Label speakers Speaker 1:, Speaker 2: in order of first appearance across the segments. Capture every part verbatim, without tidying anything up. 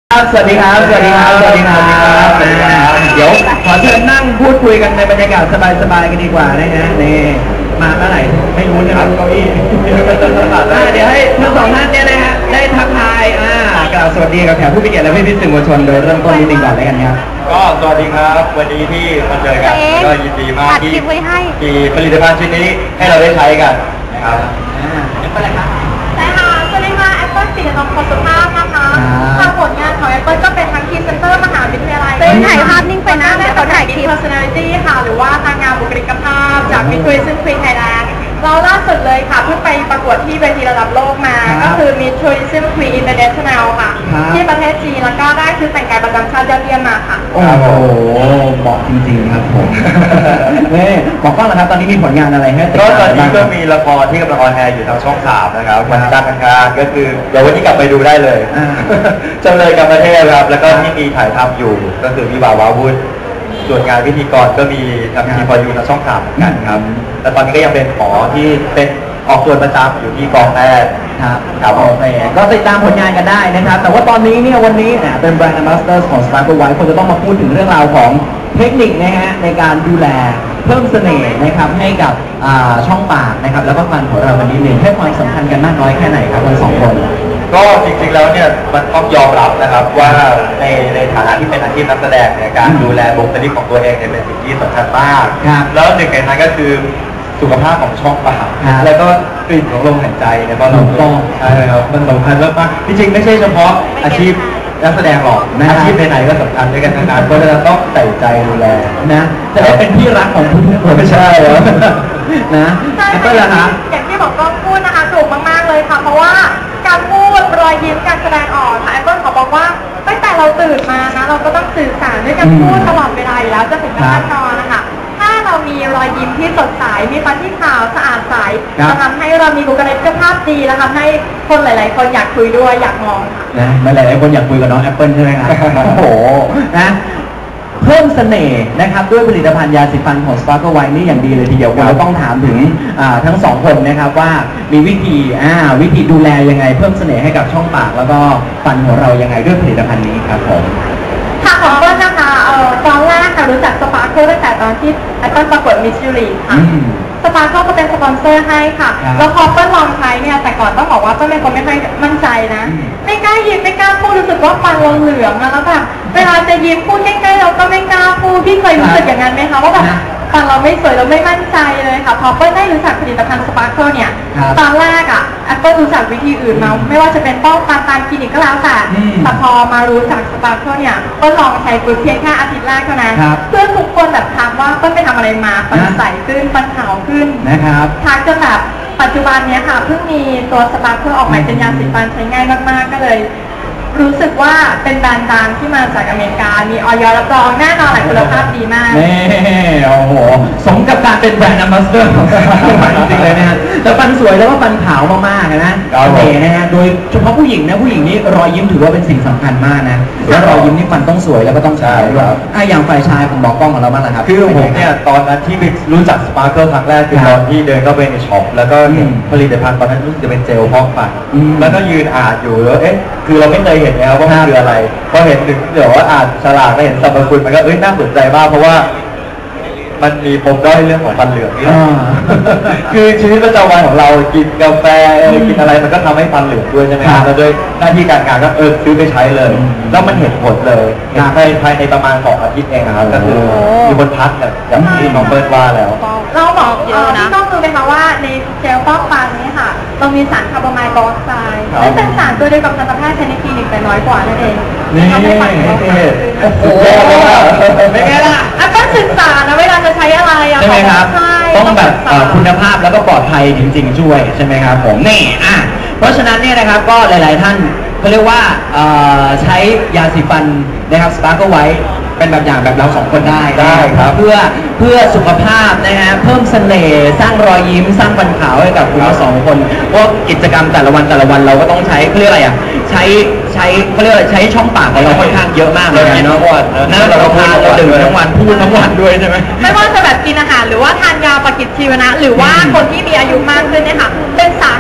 Speaker 1: ครับสวัสดีครับสวัสดีครับสวัสดีครับสวัสดีครับเดี๋ยวขอเชิญนั่งพูดคุยกันในบรรยากาศสบายๆกันดีกว่านะฮะนี่มาเมื่อไหร่ไม่รู้นะครับเก้าอี้เดี๋ยวให้ทั้งสองท่านเนี่ยนะฮะได้ทักทายอ่ากล่าวสวัสดีกับแขกผู้มีเกียรติและพี่ๆสื่อมวลชนโดยเริ่มต้นนิดนึงก่อนเลยกันครับ
Speaker 2: ก็สวัสดีครับวันนี้ที่มาเจอกันก็ยินดีมากที่มีผลิตภัณฑ์ชิ้นนี้ให้เราได้ใช้กันนะครับ
Speaker 1: เป็นอะไรครับ
Speaker 3: ใช่ค่ะสวัสดีค่ะแอปเปิลสีน้องคนสุภาพนะคะทางผลงานของแอปเปิลก็เป็นทั้งพรีเซนเตอร์มหาวิทยาลัยเป็นถ่ายภาพนิ่งไปนะเดี๋ยวเขาถ่ายคลิป personality ค่ะหรือว่านางงามบุคลิกภาพจากมิส Tourism Queen Thailand เราล่าสุดเลยค่ะเพิ่งไปประกวดที่เวทีระดับโลกมาก็คือ Miss Tourism Queen International ค่ะที่ประเทศจีนแล้วก็ได้ชุดแต่งกายประจำชาติยอดเยี่ยมมาค่ะ
Speaker 1: โอ้โหเหมาะจริงๆครับผมนี่บอกก้องนะครับตอนนี้มีผลงานอะไรให้ติดตาม
Speaker 2: ก็ตอนนี้ก็มีละครที่กำลังออนแอร์อยู่ทางช่องสามนะครับวันจันทร์อังคารก็คือเดี๋ยววันนี้กลับไปดูได้เลยจำเลยกับประเทศครับแล้วก็ที่มีถ่ายทำอยู่ก็คือวิวาว้าวุ่นส่วนงานพิธีกรก็มีทำทีพอยูทางช่องสามกันครับแต่ตอนนี้ก็ยังเป็นหมอที่เป็นออกตัวประจำอยู่ที่กองแพทย์
Speaker 1: ครับครับโอเคก็ติดตามผลงานกันได้นะครับแต่ว่าตอนนี้เนี่ยวันนี้เนี่ยเป็นแบรนด์ Ambassador ของ Sparkle White คนจะต้องมาพูดถึงเรื่องราวของเทคนิคนะฮะในการดูแลเพิ่มเสน่ห์นะครับให้กับช่องปากนะครับแล้วก็ฟันของเราวันนี้เนี่ยให้ความสำคัญกันมากน้อยแค่ไหนครับทั้งสองคน
Speaker 2: ก็จริงๆแล้วเนี่ยมันต้องยอมรับนะครับว่าในในฐานะที่เป็นอาชีพนักแสดงเนี่ยการดูแลบุคลิกของตัวเองเนี่ยเป็นสิ่งที่สำคัญมากแล้วหนึ่งในนั้นก็คือสุขภาพของช่องปากแล้วก็กลิ่นของลมหายใจเนี่ยก็เราต้องใช่ครับมันสำคัญมากๆจริงๆไม่ใช่เฉพาะอาชีพนักแสดงหรอกอาชีพไหนๆก็สำคัญด้วยกันทั้งนั้นเพราะฉะนั้นต้องใส่ใจดูแล
Speaker 1: นะจะได้เป็นที่รักของทุกคน
Speaker 2: ไม่ใช่เหรอ
Speaker 1: นะ
Speaker 3: ก็เลยนะอย่างที่บอกก็พูดนะคะถูกมากๆเลยค่ะเพราะว่าการพูดรอยยิ้มการแสดงออกค่ะแอปเปิลขอบอกว่าตั้งแต่เราตื่นมานะเราก็ต้องสื่อสารด้วยการพูดตลอดเวลาอยู่แล้วจะถึงขั้นนอนนะคะถ้าเรามีรอยยิ้มที่สดใสมีฟันที่ขาวสะอาดใสจะทำให้เรามีบุคลิกภาพดีและทำให้คนหลายๆคนอยากคุยด้วยอยากมองค่ะ
Speaker 1: นะหลายๆคนอยากคุยกับน้องแอปเปิลใช่ไหมครับโอ้โหนะเพิ่มเสน่ห์นะครับด้วยผลิตภัณฑ์ยาสีฟันของ Sparkle White นี่อย่างดีเลยทีเดียวเราต้องถามถึงทั้งสองคนนะครับว่ามีวิธีวิธีดูแลยังไงเพิ่มเสน่ห์ให้กับช่องปากแล้วก็ฟันของเรายังไงด้วยผลิตภัณฑ์นี้ครับผม
Speaker 3: ค่ะของเปิ้ลนะคะเอ่อตอนแรกค่ะรู้จักสปาร์เคิลตั้งแต่ตอนที่แอปเปิ้ลประกวดมิสยูรีค่ะสปาร์เคิลก็เป็นสปอนเซอร์ให้ค่ะแล้วพอเปิ้ลลองใช้เนี่ยแต่ก่อนต้องบอกว่าเปิ้ลเป็นคนไม่ค่อยมั่นใจนะไม่กล้ายิ้มไม่กล้าพูดรู้สึกว่าฟันเราเหลืองแล้วแบบเวลาจะยิ้มพูดใกล้ๆเราก็ไม่กล้าพูดพี่เคยรู้สึกอย่างนั้นไหมคะว่าแบบฟันเราไม่สวยเราไม่มั่นใจเลยค่ะพอเปิ้ลได้รู้จักผลิตภัณฑ์สปาร์เคิลเนี่ยตอนแรกอ่ะแอปเปิ้ลรู้จักวิธีอื่นมาไม่ว่าจะเป็นป้องกันตามคลินิกก็แล้วแต่แต่พอมารู้จักสปาร์เคิลเนี่ยเปิ้ลลองใช้ปุ๊บเพียงแค่อาทิตย์แรกเท่านั้นเพื่อนทุกคนแบบถามว่าเปิ้ลไปทำอะไรมาฟันใสขึ้นฟันขาวขึ้น
Speaker 1: นะครับ
Speaker 3: ทักจนแบบปัจจุบันเนี้ยค่ะเพิ่งมีตัวสปาร์เคิลออกใหม่เป็นยาสีฟันใช้ง่ายมากๆก็เลยรู้สึกว่าเป็นแบรนด์ดังที่มาจากอเมริกามีออยรับรองแน่นอนแหละคุณภาพดีมาก
Speaker 1: นี่โอ้โหสมกับการเป็นแบรนด์ Ambassador ของสปาร์เคิลจริงๆเลยนะฮะแต่ฟันสวยแล้วก็ฟันขาวมากๆนะโอเคนะฮะโดยเฉพาะผู้หญิงนะผู้หญิงนี่รอยยิ้มถือว่าเป็นสิ่งสำคัญมากนะแล้วรอยยิ้มนี่ฟันต้องสวยแล้วก็ต้องใช้ด้วยอ่ะอย่างฝ่ายชายผมบอกกล้องของเราบ้างนะครับ
Speaker 2: คือผมเนี่ยตอนนั้นที่รู้จักสปาร์เคิลครั้งแรกคือตอนที่เดินเข้าไปในช็อปแล้วก็ผลิตภัณฑ์ตอนนั้นรู้สึกจะเป็นเจลพอกฟันแล้วก็ยืนอ่านอยู่แล้วเอ๊ะคือเราไม่เคยเห็นแล้วว่ามันคืออะไรพอเห็นถึงเดี๋ยวว่าอ่านฉลากแล้วเห็นสรรพคุณมันก็เอ้ยน่าสนใจมากเพราะว่ามันมีปมด้อยเรื่องของฟันเหลืองนี่คือชีวิตประจำวันของเรากินกาแฟกินอะไรมันก็ทำให้ฟันเหลืองด้วยใช่ไหมครับแล้วด้วยหน้าที่การงานก็เออซื้อไปใช้เลยแล้วมันเห็นผลเลยภายภายในประมาณสองอาทิตย์เองครับก็คือมีคนทักแบบอย่างที่น้องเบิร์ดว่าแล้ว
Speaker 3: เราบอกเยอะนะต้องรู้ไหมคะว่าในเจลฟอกฟันนี้ค่ะเรามีสารคาร์บอไมล์ไดออกไซด์ซึ่งเป็นสารตัวเดียวกับทันตแพทย์ใช้ในคลินิกแต่น้อยกว่านั่นเอง
Speaker 1: นี่โอ้โห
Speaker 3: เป็นไงล่ะอ่ะก็ศึกษานะเวลาจะใช้อะไร
Speaker 1: ใช่ไหมครับต้องแบบคุณภาพแล้วก็ปลอดภัยจริงๆช่วยใช่ไหมครับผมนี่อ่ะเพราะฉะนั้นเนี่ยนะครับก็หลายๆท่านเขาเรียกว่าใช้ยาสีฟันนะครับ Sparkle White เป็นแบบอย่างแบบเราสองคนได้
Speaker 2: ได้ครับ
Speaker 1: เพื่อเพื่อสุขภาพนะฮะเพิ่มเสน่ห์สร้างรอยยิ้มสร้างฟันขาวให้กับคุณทั้งสองคนเพราะกิจกรรมแต่ละวันแต่ละวันเราก็ต้องใช้เขาเรียกอะไรอ่ะใช้ใช้เขาเรียกใช้ช่องปากของเราค่อนข้างเยอะมากเลยเนาะนั่นเราก็พาเราดื่มทั้งวันพูดทั้งวันด้วยใช่ไหม
Speaker 3: ไม่ว่าจะแบบกินอาหารหรือว่าทานยาปฏิชีวนะหรือว่าคนที่มีอายุมากขึ้นเนี่ยค่ะเป็นสาเห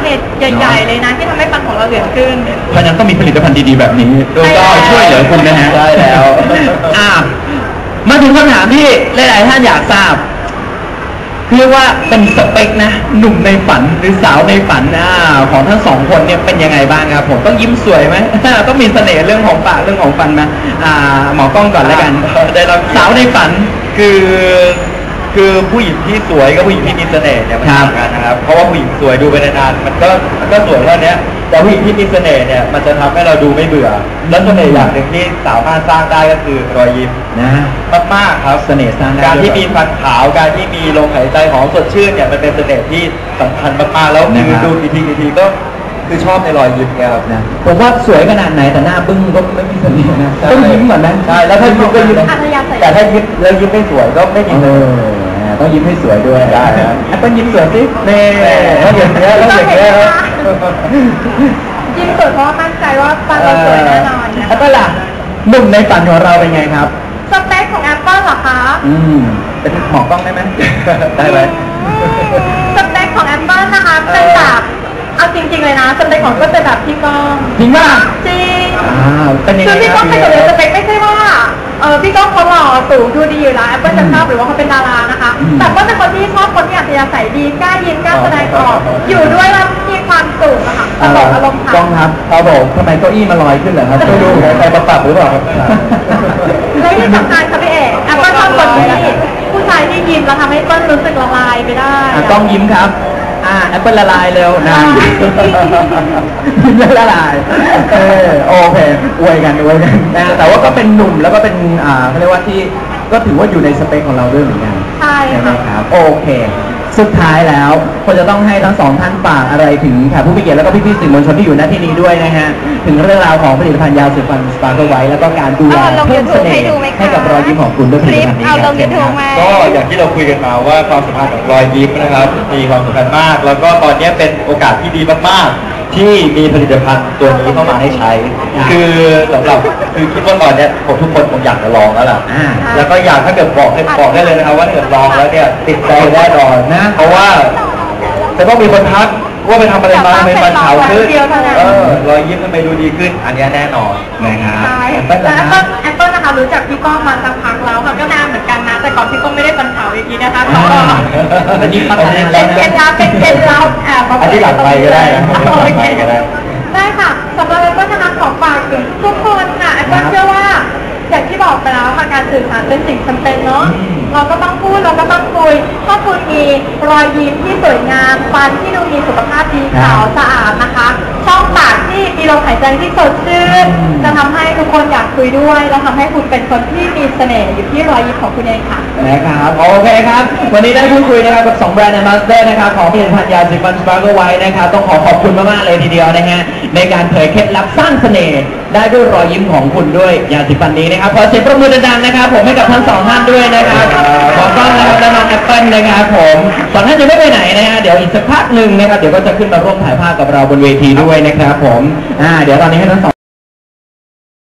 Speaker 3: เหตุใหญ่ๆเลยนะที่ทำให้ฟันของเราเหลืองขึ้น
Speaker 1: เพราะฉะนั้นต้องมีผลิตภัณฑ์ดีๆแบบนี้
Speaker 3: ใช่แล้ว
Speaker 1: ก็ช่วยเหลือคุณนะฮะ
Speaker 2: ได้แล้ว
Speaker 1: อ่ามาถึงคำถามที่หลายๆท่านอยากทราบเรียกว่าเป็นสเปคนะหนุ่มในฝันหรือสาวในฝันอ่าของทั้งสองคนเนี่ยเป็นยังไงบ้างครับผมต้องยิ้มสวยไหม ต้องมีเสน่ห์เรื่องของปากเรื่องของฟันไหมอ่าหมอกล้องก่อนแล้วกัน
Speaker 2: ได้รับ
Speaker 1: สาวในฝัน
Speaker 2: คือคือผู้หญิงที่สวยกับผู้หญิงที่มีเสน่ห์เนี่ยมัน
Speaker 1: ครับ
Speaker 2: ต่างกันนะครับ เพราะว่าผู้หญิงสวยดูไปนานๆมันก็มันก็สวยเท่านี้แต่ผู้หญิงที่มีเสน่ห์เนี่ยมันจะทำให้เราดูไม่เบื่อ แล้วเสน่ห์อย่างหนึ่งที่สามารถสร้างได้ก็คือรอยยิ้ม
Speaker 1: นะ
Speaker 2: มากๆครับ
Speaker 1: เสน่ห์สร้างได้
Speaker 2: การที่
Speaker 1: ด้วย
Speaker 2: มีฟันขาวการที่มีลมหายใจหอมสดชื่นเนี่ยมันเป็นเสน่ห์ที่สำคัญมากๆแล้ว
Speaker 1: นะ
Speaker 2: คือ
Speaker 1: ครับ
Speaker 2: ดูกี่ทีกี่ทีก็คือชอบในรอยยิ้มเนี่ยครับ
Speaker 1: นะผมว่าสวยขนาดไหนแต่หน้าบึ้งก็ไม่มีเสน่ห์นะต้องยิ้มก่อนนะ
Speaker 2: ใช่แล้วถ้ายิ้มก็ยิ้ม
Speaker 3: อัธยาศัย
Speaker 2: แต่ถ้ายิ้มแล้วยิ้มไม่สวยก็ไม่มี
Speaker 1: เอ
Speaker 2: เสน่ห์
Speaker 1: อต้องยิ้มให้สวยด้วย
Speaker 2: ได้ครับ
Speaker 1: แอปเปิ้ลยิ้มสวยสิเน่
Speaker 2: แล้วอย่างเงี้ยแล้วอย่างเงี้ยครับ
Speaker 3: ยิ้มสวยเพราะว่ามั่นใจว่าฟันเราสวยแน่นอนนะ
Speaker 1: แอปเปิ้ลล่ะหนุ่มในฝันของเราเป็นไงครับ
Speaker 3: สเปคของแอปเปิลเหรอคะ
Speaker 1: อืมเป็นหมอกล้องได้ไหม
Speaker 2: ได้ไหม
Speaker 3: สเปคของแอปเปิลนะคะเป็นแบบเอาจริงๆเลยนะสเปคของก็เป็นแบบพี่ก้อง
Speaker 1: จริงป่ะ
Speaker 3: จริง
Speaker 1: อ่าเป็นยัง
Speaker 3: คื
Speaker 1: ไง
Speaker 3: อพี่
Speaker 1: ค
Speaker 3: ก้
Speaker 1: รั
Speaker 3: อบ งเป็นคนเลยสเปคไม่ใช่ว่าเออพี่ก้องเขาหล่อสูงดูดีอยู่แล้วแอปเปิลจะชอบหรือว่าเขาเป็นดารานะคะ แต่ก็เป็นคนที่ชอบคนที่อัธยาศัยดีกล้ายิ้มกล้าแสดงออกอยู่ด้วยแล้วมีความสุขอะค่ะตลกอารมณ์
Speaker 1: กล้อง
Speaker 3: ค่ะ
Speaker 1: ครับครับผมทำไมเก้าอี้มาลอยขึ้นเหรอครับไม่รู้ใครมาปรับหรือเปล่าครับ
Speaker 3: และที่สำคัญค่ะพี่เอกแอปเปิลชอบคนที่ผู้ชายที่ยิ้มแล้วทำให้เปิ้ลรู้สึกละลายไปได้
Speaker 1: อ่ะกล้องยิ้มครับ อ่าแอปเปิลละลายเร็วนะยิ้มแล้วละลายเออโอเคอวยกันอวยกันนะแต่ว่าก็เป็นหนุ่มแล้วก็เป็นอ่าเขาเรียกว่าที่ก็ถือว่าอยู่ในสเปคของเราด้วยเหมือนกัน
Speaker 3: ใช่
Speaker 1: ใช่ไหม
Speaker 3: ค่ะ
Speaker 1: ครับโอเค สุดท้ายแล้วควรจะต้องให้ทั้งสองท่านฝากอะไรถึงแขกผู้มีเกียรติแล้วก็พี่ๆสื่อมวลชนที่อยู่ณที่นี้ด้วยนะฮะถึงเรื่องราวของผลิตภัณฑ์ยาสีฟันสปาร์เคิลไว้แล้วก็การดูแล
Speaker 3: เอาลง
Speaker 1: เพิ่มเสน่
Speaker 3: YouTube ให้
Speaker 1: ห์
Speaker 3: ดูไหมคะ
Speaker 1: ให้กับรอยยิ้มของคุณด้วยผลิตภัณฑ์นี้
Speaker 3: เอาลง
Speaker 1: ครับ
Speaker 3: YouTube ไหม
Speaker 2: ก็อย่างที่เราคุยกันมาว่าความสัมพันธ์ของรอยยิ้มนะครับมีความสำคัญมาก แล้วก็ตอนนี้เป็นโอกาสที่ดีมากๆ ที่มีผลิตภัณฑ์ตัวนี้เข้ามาให้ใช้ คือสำหรับคือคิดว่าตอนเนี้ยผมทุกคนคงอยากจะลองแล้วล่ะ
Speaker 1: อ่า
Speaker 2: แล้วก็อยากถ้าเกิดบอกให้บอกได้เลยนะครับว่าถ้าเกิดลองแล้วเนี่ยติดใจแน่นอนนะ เพราะว่าจะต้องมีคนทักว่าไปทำอะไรมาทำไมฟันขาวขึ้นเออรอยยิ้มทำไมดูดีขึ้น อันเนี้ยแน่นอนนะครับ
Speaker 3: ใช่
Speaker 1: แอป
Speaker 3: แอ
Speaker 1: เปิ้ล
Speaker 3: ป
Speaker 1: นะ
Speaker 3: เปิ
Speaker 1: ครั
Speaker 3: ล
Speaker 1: บ
Speaker 3: แอปเปิลนะคะรู้จักพี่ก้องมาสักพักแล้วค่ะก็นานเหมือนกันนะ แต่ก่อนพี่ก้องไม่ได้ฟันขาวอย่างนี้นะคะก็
Speaker 1: อันนี้พัฒนาแล้
Speaker 3: เป็
Speaker 1: วน นะ
Speaker 3: เคล็ดลับเป็นเคล็ดลับแอบมา
Speaker 2: อันที่หลังไปก็ได้นะ
Speaker 3: โอ
Speaker 2: หลัง
Speaker 3: เค
Speaker 2: ไปก็ได้
Speaker 3: ได้ค่ะสำหรับแอปเปิลนะคะขอฝากถึงทุกคนค่ะแอปเปิลเชื่อว่าอย่างที่บอกไปแล้วค่ะการสื่อสารเป็นสิ่งจำเป็นเนาะ
Speaker 1: อืม
Speaker 3: เราก็ต้องพูดเราก็ต้องคุยถ้าคุณมีรอยยิ้มที่สวยงามฟันที่ดูมีสุขภาพดีขาวสะอาดนะคะ ช่องปากที่มีลมหายใจที่สดชื่น
Speaker 1: อืม
Speaker 3: จะทำให้ทุกคนอยากคุยด้วยและทำให้คุณเป็นคนที่มีเสน่ห์อยู่ที่รอยยิ้มของคุณเองค่ะ
Speaker 1: นะครับโอเคครับ วันนี้ได้พูดคุยนะครับกับสองแบรนด์แอมบาสเดอร์นะครับของผลิตภัณฑ์ยาสีฟันสปาร์เคิลไว้นะครับต้องขอขอบคุณมากๆเลยทีเดียวนะฮะในการเผยเคล็ดลับสร้างเสน่ห์ได้ด้วยรอยยิ้มของคุณด้วยยาสีฟันนี้นะครับขอเสียงปรบมือดังๆนะครับผมให้กับทั้งสองท่านด้วยนะครับขอต้อนรับและน้องแอปเปิลนะครับผมสองท่านจะไม่ไปไหนนะฮะเดี๋ยวอีกสักพักหนึ่งนะครับเดี๋ยวก็จะขึ้นมาร่วมถ่ายภาพกับเราบนเวทีด้วยนะครับผมอ่าเดี๋ยวตอนนี้ให้ทั้งสอง